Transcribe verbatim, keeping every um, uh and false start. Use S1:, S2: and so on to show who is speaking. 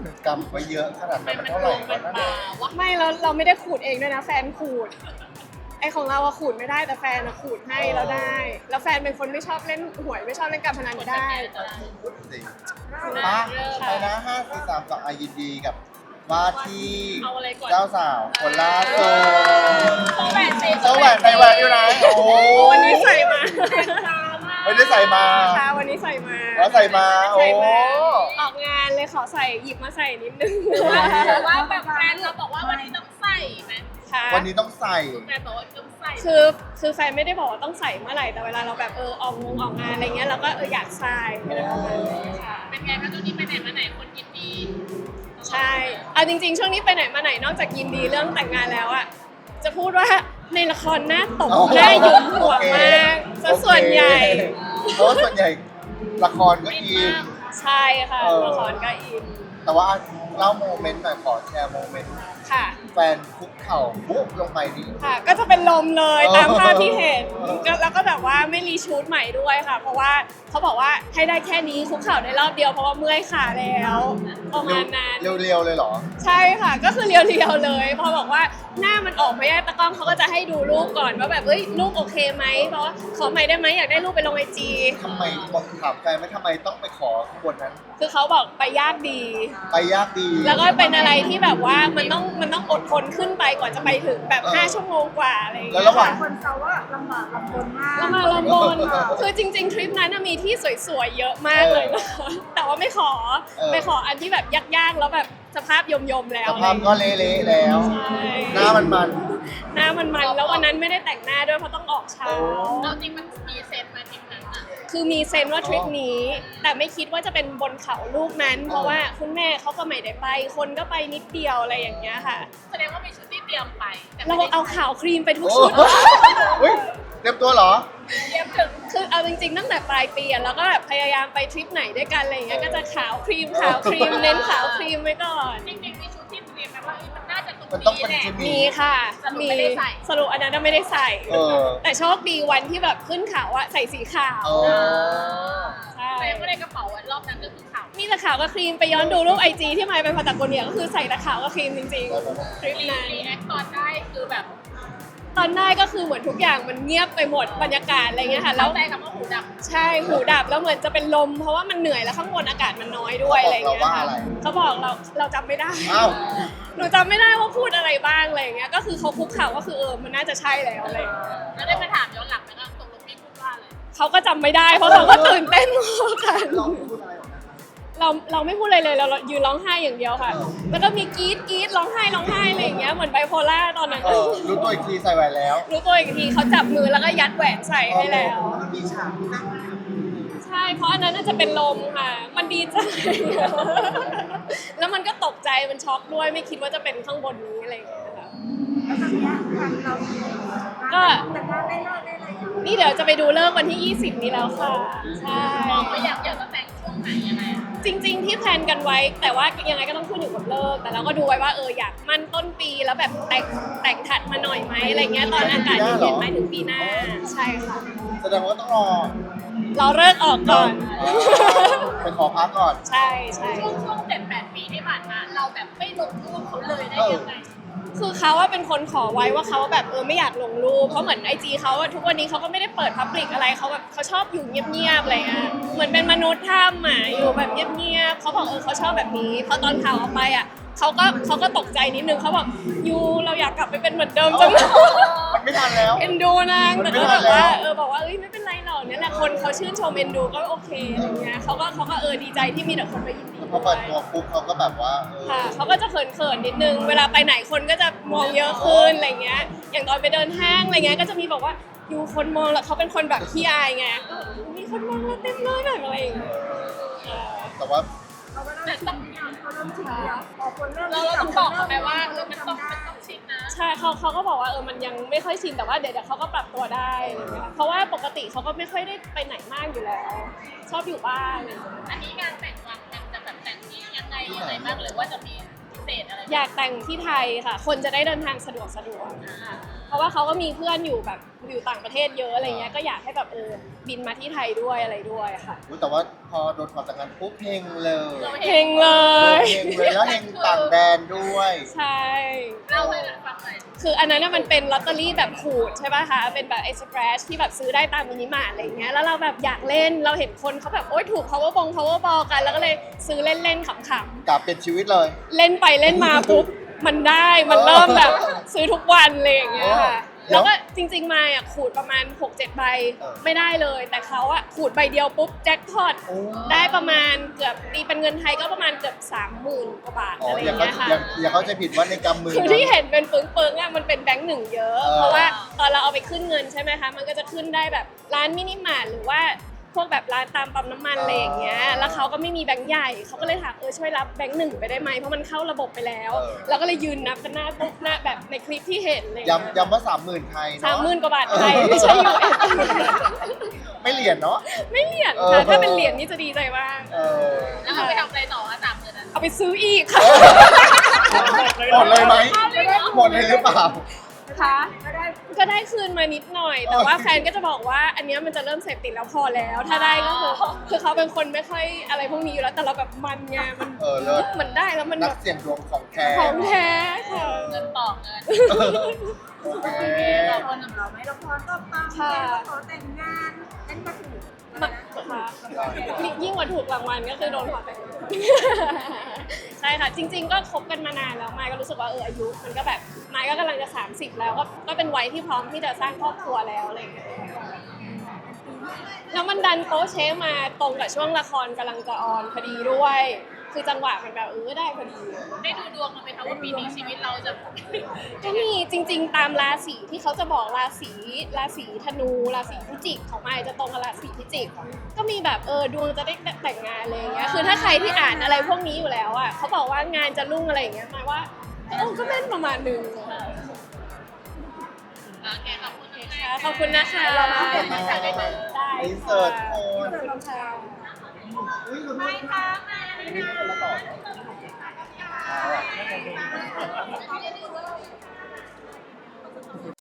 S1: กำไว้เยอะขนาดนั้นมันเท่าไหร่วะนั่นเอง
S2: ไม่เราเราไม่ได้ขูดเองด้วยนะแฟนขูดไอของเราอะขูดไม่ได้แต่แฟนอะขูดให้เราได้ แล้วแฟนเป็นคนไม่ชอบเล่นหวยไม่ชอบเล่นการพนันได้
S1: พูดสิอ่ะไปนะห้าสี่สามสองอายินดีกับว่าที่เจ้าสาวคนล่าสุด
S3: เขาแหวนใส่
S1: เจ้าแหวนใส่แหวนอยู่ไหนโอ้
S2: วันนี้ใส่มา
S1: ไม่ได้ใส่มา
S2: ค่ะวันนี้ใส่มา
S1: แล้วใส่มาโอ้
S2: ใส่มาออกงานเลยขอใส่หยิบมาใส่นิดนึง
S3: หรือว่าแบบแฟนเราบอกว่าวันนี้ต้องใส่ไหม
S2: ค่ะ
S1: วันนี้ต้องใส่
S3: แฟนบอกว่าต้องใส่
S2: คือคือแฟนไม่ได้บอกว่าต้องใส่เมื่อไหร่แต่เวลาเราแบบเออออกงงออกงานอะไรเงี้ยเราก็เอออยากใส่อะไรประมาณนี้ค่ะ
S3: เป็นไงคะช่วงนี้ไปไหนมาไหนคนยินดี
S2: ใช่เอาจริงๆ ช่วงนี้ไปไหนมาไหนนอกจากยินดีเรื่องแต่งงานแล้วอะจะพูดว่าในละครหน้าตบหน้าหยุมหัวมากซะส่วนใหญ่
S1: เพราะว่าส่วนใหญ่ละครก็อิน
S2: ใช่ค่ะ
S1: เออ
S2: ละครก็อิน
S1: แต่ว่าเล่าโมเมนต์หน่อยขอแชร์โมเมนต์
S2: ค่ะ
S1: แฟนคุกเข่าปุ๊บลงไปนี่
S2: ค่ะ ก็จะเป็นลมเลย
S1: เออ
S2: ตามภาพที่เห็นก็แล้วก็แบบว่าไม่รีชูตใหม่ด้วยค่ะ เพราะว่าเขาบอกว่าให้ได้แค่นี้คุกเข่าได้รอบเดียวเพราะว่าเมื่อยขาแล้วประมาณนั้น
S1: เรียวๆเลยเหรอ
S2: ใช่ค่ะก็คือเรียวๆเลยพอบอกว่าหน้ามันออกไม่ได้ตะกล้องเขาก็จะให้ดูรูปก่อนว่าแบบเอ้ยรูปโอเคไหมเพราะว่าขอใหม่ได้ไหมอยากได้รูปไปลงไอจี
S1: ทำไมบอกถามแฟนไหม่ทำไมต้องไปขอข้างบนนั้น
S2: คือเขาบอกไปยากดี
S1: ไปยากดี
S2: แล้วก็เป็นอะไรที่แบบว่ามันต้องมันต้องอดทนขึ้นไปก่อนจะไปถึงแบบ
S1: เออ
S2: ห้าชั่วโมงกว่าอะไรอย่าง
S1: แล้
S2: เงี้
S1: วย ระหว่าง
S2: ค่ะ
S4: คนเซาว่าลำบากลำบนมาก
S2: แล้วมาลำบนคือจริง ๆ ทริปนั้นน่ะมีที่สวยๆเยอะมากเลยนะคะแต่ว่าไม่ขอ
S1: เออ
S2: ไปขออันที่แบบยากๆแล้วแบบสภาพยมๆแล้ว
S1: สภาพก็เละๆแล้ว
S2: ใช่
S1: หน้ามันมัน
S2: หน้ามันมันแล้ววันนั้นไม่ได้แต่งหน้าด้วยเพราะต้องออกเช้า
S3: เราจริงมันมีเซนมาทีมนั้นอ่ะ
S2: คือมีเซนว่าทริปนี้ แต่ไม่คิดว่าจะเป็นบนเขาลูกนั้น เพราะว่าคุณแม่เขาก็ไม่ได้ไป คนก็ไปนิดเดียวอะไรอย่างเงี้ยค่ะ
S3: แสดงว่ามีชุดที่เตรียมไปแต่
S2: เรา
S3: ไม่ได้
S2: เอาขาวครีมไปทุก
S1: โอ้
S2: ชุด
S1: เฮ้ยเตรียมตัวเหรอ
S3: เตรียมถึง
S2: คือเอาจริงๆตั้งแต่ปลายปีอะเราก็แบบพยายามไปทริปไหนด้วยกันอะไรอย่างเงี้ยก็จะขาวครีมขาวครีมเน้นขาวครีมไว้ก่อน
S3: จริงๆมีชุดที่เตรียมไหมว่าเอ้ยมันน่าจะตรง
S1: มันต้อง
S3: นี้
S1: เป็น
S3: แหละ
S1: ชุด
S2: มีค่ะ
S3: สรุป
S2: มี
S3: ไม่ได้ใส่
S2: สรุปอันนั้นนะไม่ได้ใส่
S1: เออ
S2: แต่โชคดีวันที่แบบขึ้นเขาอะใส่สีขาว
S1: เออ
S2: ใช่
S3: แต่ไม่ได้กระเป๋าวันรอบนั้นก็คือขาว
S2: มีแต่ขาวกับครีมไปย้อนดูรูปไอจีที่มายไปพาตาโกเนียก็คือใส่แต่ขาวกับครีมจริงๆทริป
S3: รี
S2: นั้น
S3: รีแอคตอนได้คือแบบ
S2: ตอนได้ก็คือเหมือนทุกอย่างมันเงียบไปหมดบรรยากาศอะไรเงี้ยค่ะ
S3: แล้
S2: แล้ว ว
S3: ใจคำว่าหูดับ
S2: ใช่หูดับแล้วเหมือนจะเป็นลม เพราะว่ามันเหนื่อยแล้วข้างบนอากาศมันน้อยด้วยอะไรเงี้ย
S1: เขาบอกเราว่า
S2: ค่ะ
S1: อะไร
S2: เขาบอกเราเราจำไม่ได้
S1: อ้าว
S2: หนูจำไม่ได้ว่าพูดอะไรบ้างอะไรเงี้ยก็คือเขาคุกเข่าก็คือเออมันน่าจะใช่แล้วอะไรเงี้ย
S3: แล้วได้มาถามย้อนหลังไหมว่าตกลงพี่พูดว่าอะไร
S2: เขาก็จำไม่ได้เพราะเราก็ตื่นเต้นมากกัน
S1: เราพูดอะไรออกมา
S2: เราเราไม่พูดอะไรเลยเรายืนร้องไห้อย่างเดียวค่ะ แล้วก็มีกรี๊ดกรี๊ดร้องไห้ร้องไห้อะไรอย่างเงี้ยเหมือนไบโพล่าตอนนั้น
S1: เออรู้ตัวอีกทีใส่แหวนแล้ว
S2: รู้ตัวอีกทีเขาจับมือแล้วก็ยัดแหวนใส่ให้แล้ว
S1: มีฉากนั่ง
S2: ใช่เพราะอันนั้นน่าจะเป็นลมค่ะ มันดีใจ แล้วมันก็ตกใจมันช็อกด้วยไม่คิดว่าจะเป็นข้างบนนี้อะไรอย่างเงี้ยค่ะ
S4: แล้วตอนเนี้ยทางเรา
S2: ก็
S4: แต่งานได้เลิกได้อะไรอย่าง
S2: นี่เดี๋ยวจะไปดูเลิกวันที่ยี่สิบนี้แล้วค่ะใช่
S3: มองว่าอยากอยากจะแต่งช่วงไหนยังไงอะ
S2: จริง ๆ ที่แพลนกันไว้ แต่ว่ายังไงก็ต้องขึ้นอยู่กับเลิกแต่เราก็ดูไว้ว่าเอออยากมั่นต้นปีแล้วแบบแต่งแต่งถัดมาหน่อยไหมอะไรเงี้ยตอนอากาศเย็นๆไหมถึงปีหน้าใช่ค่ะ
S1: แสดงว่าต้องรอ
S2: รอเลิกออกก่อน
S1: ไปขอพักก่อน
S2: ใช่ใช่
S3: ช่วงช่วงเจ็ดแปดปีที่ผ่านมา เราแบบไม่ลงรูปเขาเลยได้ยังไง
S2: คือเขาว่าเป็นคนขอไว้ว่าเขาแบบเออไม่อยากลงรูปเพราะเหมือนไอจีเขาอะทุกวันนี้เขาก็ไม่ได้เปิดพับลิกอะไรเขาแบบเขาชอบอยู่เงียบๆอะไรเงี้ยเหมือนเป็นมนุษย์ถ้ำอะอยู่แบบเงียบๆเขาบอกเออเขาชอบแบบนี้เพราะตอนข่าวออกไปอะเขาก็เขาก็ตกใจนิดนึงเขาบอกยูเราอยากกลับไปเป็นเหมือนเดิมจังเลย
S1: มันไม่ทันแล้ว
S2: เอ็นดูนาง
S1: มัน
S2: แต่
S1: ไม่
S2: ก็
S1: ทั
S2: แบ
S1: น
S2: บว่า
S1: แล้ว
S2: เออบอกว่าเอ้ยไม่เป็นไรหรอกเนี่ยแหละคนเขาชื่นชมเอ็นดูก็โอเคอะไรเงี้ยเขาก็เขาก็เออดีใจที่มีแต่คนมายินดี
S1: พอเปิดตัวปุ๊บเขาก็แบบว่าเออ
S2: ค่ะเขาก็จะเขินๆนิดนึง เวลาไปไหนคนก็จะมองเยอะขึ้นอะไรเงี้ย อย่างตอนไปเดินห้างอะไรเงี้ยก็จะมีบอกว่าอยู่คนมองแล้วเขาเป็นคนแบบขี้อายไงก็มีคนมองเราเต็มเลยแบบอะไรอย่างเงี้ยเออ
S1: แต่ว่า
S4: เขาก็เริ่มชินเขาเริ่มชินแล้วพอคนเริ่ม
S3: เราเราต้องบอกเขาไหมว่าเออมันต้องมันต้องชินนะ
S2: ใช่เขาเขาก็บอกว่าเออมันยังไม่ค่อยชินแต่ว่าเดี๋ยวเดี๋ยวเขาก็ปรับตัวได้อะไรเงี้ยเพราะว่าปกติเขาก็ไม่ค่อยได้ไปไหนมากอยู่แล้ว ชอบอยู่บ้านอะไรเงี้ย
S3: อันนี้งานแต่งวางแผนจะแบบแต่งที่ยังไงยังไงบ้างหรือว่าจะมีพิเศษอะไร
S2: อยากแต่งที่ไทยค่ะ คนจะได้เดินทางสะดวกสะดวกค่ะเพราะว่าเขาก็มีเพื่อนอยู่แบบอยู่ต่างประเทศเยอะอะไรเงี้ยก็อยากให้แบบเออบินมาที่ไทยด้วยอะไรด้วยค่ะ
S1: อุ๊ยแต่ว่าพอโดนถอดจากงานปุ๊บเฮงเลย
S2: เฮงเลย
S1: เฮงเลยแล้วเฮงต่างแดนด้วย
S2: ใช่
S3: เล่าให้กันฟังหน่อย
S2: คืออันนั้นน่ะมันเป็นลอตเตอรี่แบบขูดใช่ป่ะคะ เป็นแบบไอ้สแครชที่แบบซื้อได้ตามมินิมาร์ทอะไรอย่างเงี้ย แล้วเราแบบอยากเล่น เราเห็นคนเขาแบบโอ๊ยถูก power ball power ball กัน แล้วก็เลยซื้อเล่นๆขำๆ
S1: กลับเป็นชีวิตเลย
S2: เล่นไปเล่นมาปุ๊บ มันได้ มันเริ่มแบบซื้อทุกวันเลยอย่างเงี้ยค่ะ
S1: เดี๋
S2: แล้
S1: ยว
S2: วก็จริงๆมาอ่ะขูดประมาณ หกเจ็ด ใบ
S1: เออ
S2: ไม่ได้เลย แต่เขาอ่ะขูดใบเดียวปุ๊บแจ็คพอต
S1: โอ้
S2: ได้ประมาณเกือบตีเป็นเงินไทยก็ประมาณเกือบสามหมื่นกว่าบาท
S1: อ๋อ
S2: อะไรอ
S1: อย่า
S2: ย่าง
S1: เขา
S2: เงี้ยค่ะ
S1: อย่าอย่าเขาใจะผิดว่าในกำมือ
S2: คือ
S1: นะ
S2: ที่เห็นเป็นปึ้งๆอ่ะมันเป็นแบงค์หนึ่งเยอะ
S1: เออ
S2: เพราะว่าตอนเราเอาไปขึ้นเงินใช่ไหมคะ มันก็จะขึ้นได้แบบร้านมินิมาร์ทหรือว่าพวกแบบร้านตามปั๊มน้ำมันอะไรอย่างเงี้ย แล้วเขาก็ไม่มีแบงค์ใหญ่เขาก็เลยถามเออช่วยรับแบงค์หนึ่งไปได้ไหมเพราะมันเข้าระบบไปแล้ว เราก็เลยยืนนับกันหน้าปุ๊บหน้าแบบในคลิปที่เห็นเลย
S1: ย้ำย้ำว่าสามหมื่นไทยเนาะ
S2: สามหมื่นกว่าบาทไทยไม่ใช่ยูเอส
S1: ไม่เหรียญเนาะ
S2: ไม่เหรียญ
S1: เออ
S2: ค่ะถ้าเป็นเหรียญนี่จะดีใจมาก
S1: เออ
S3: แล้วเอาไปทำอะไรต่อคะสามหมื่นนั้น
S2: เอาไปซื้ออีกค่ะ
S1: หมดเลยไหมหมดเลยหรือเปล่า
S2: คะก็ได้คืนมานิดหน่อย แต่ว่าแฟนก็จะบอกว่าอันเนี้ยมันจะเริ่มเสพติดแล้วพอแล้ว ถ้าได้ก็คือคือเขาเป็นคนไม่ค่อยอะไรพวกนี้อยู่แล้วแต่เราแบบมันไงมัน
S1: เออเลิศ
S2: มันได้แล้วมัน
S1: นั
S2: แบ
S1: ก
S2: บ
S1: เสี่ยงดวงของแท้
S2: ของแท้ค่ะ
S3: เงินต่อเงิน
S1: โอเค
S3: ต่อคน
S4: เราไหมละครก็ปัง
S2: ค่ะ
S4: แม่ก็ขอแต่งงานนั่นก็ถูก
S2: มาค่ะยิ่งกว่าถูกรางวัลก็คือโดนขอแต่งงานใช่ค่ะ จริง ๆ ก็คบกันมานานแล้วมายก็รู้สึกว่าเอออายุมันก็แบบมายก็กำลังจะสามสิบแล้วก็ก็เป็นวัยที่พร้อมที่จะสร้างครอบครัวแล้วอะไรอย่างเงี้ยแล้วมันดันโป๊ะเช๊มาตรงกับช่วงละครกำลังจะออนพอดีด้วย คือจังหวะมันแบบเออได้พอดี
S3: ได้ดูดวงมาไหมคะว่าปีนี้ชีวิตเราจะ
S2: ก็มีจริง ๆ ตามราศีที่เขาจะบอกราศีราศีธนูราศีพิจิกของมายจะตรงกับราศีพิจิก ก็มีแบบเออดวงจะได้แต่งงานอะไรอย่างเงี้ยคือถ้าใครที่อ่านอะไรพวกนี้อยู่แล้วอ่ะเขาบอกว่างานจะรุ่งอะไรอย่างเงี้ยหมายว่าเออก็แม่นประมาณนึง
S3: โอเคขอบคุณค่ะ
S2: ขอบคุณนะคะ
S1: ขอบคุณมาก
S2: ได้ค่ะ
S1: อินเสิร์ตโอน
S2: ขอบคุณค่ะ
S1: อุ้ยคุณไม่ค่ะไม่คนละต่อเอาอะ